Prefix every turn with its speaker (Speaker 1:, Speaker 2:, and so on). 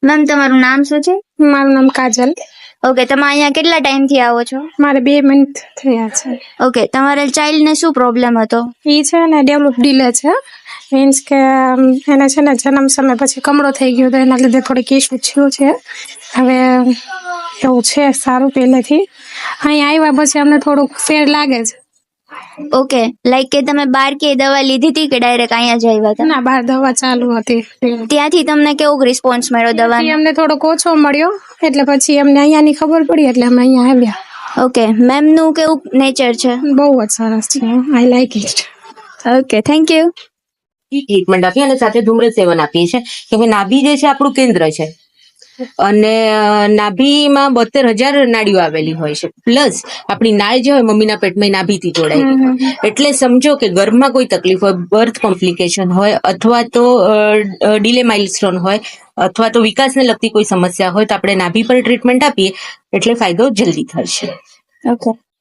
Speaker 1: Ma'am તમારું નામ શું છે?
Speaker 2: મારું નામ કાજલ.
Speaker 1: ઓકે, તમે અહીંયા કેટલા ટાઈમથી આવો છો?
Speaker 2: મારે 2 મિનિટ થયા છે.
Speaker 1: ઓકે, તમારા ચાઇલ્ડને શું પ્રોબ્લેમ હતો?
Speaker 2: એ છે ને ડેવલપ ડીલે છે, મીન્સ કે એને છે ને જન્મ સમય પછી કમળો થઈ ગયો તો એના લીધે થોડીક ઇસ્યુ થયું છે. હવે એવું છે સારું પહેલેથી. અહીં આવ્યા પછી અમને થોડુંક ફેર લાગે છે.
Speaker 1: ઓકે, લાઈક કે તમે બહાર કે દવા લીધી હતી કે ડાયરેક્ટ અહીંયા જ આવ્યા હતા?
Speaker 2: ના, બહાર દવા ચાલુ હતી.
Speaker 1: ત્યાંથી તમને કેવો રિસ્પોન્સ મળ્યો
Speaker 2: ત્યાંથી
Speaker 1: દવાનો?
Speaker 2: અમને થોડોક ઓછો મળ્યો એટલે પછી અમને અહીંયાની ખબર પડી એટલે અમે અહીંયા આવ્યા.
Speaker 1: ઓકે, મેમનું કેવું નેચર છે?
Speaker 2: બહુ જ સરસ છે. I like it.
Speaker 1: Okay, thank you.
Speaker 3: Treatment આપીએ અને સાથે ધૂમ્ર સેવન આપીએ છીએ કે ભાઈ નાભી જે છે આપણું કેન્દ્ર છે અને નાભીમાં 72,000 નાડીઓ આવેલી હોય છે, પ્લસ આપણી નાળ જે હોય મમ્મીના પેટમાં નાભીથી જોડાયેલી હોય. એટલે સમજો કે ગર્ભમાં કોઈ તકલીફ હોય, બર્થ કોમ્પ્લિકેશન હોય અથવા તો ડીલે માઇલસ્ટોન હોય અથવા તો વિકાસને લગતી કોઈ સમસ્યા હોય તો આપણે નાભી પર ટ્રીટમેન્ટ આપીએ એટલે ફાયદો જલ્દી થશે.
Speaker 1: ઓકે.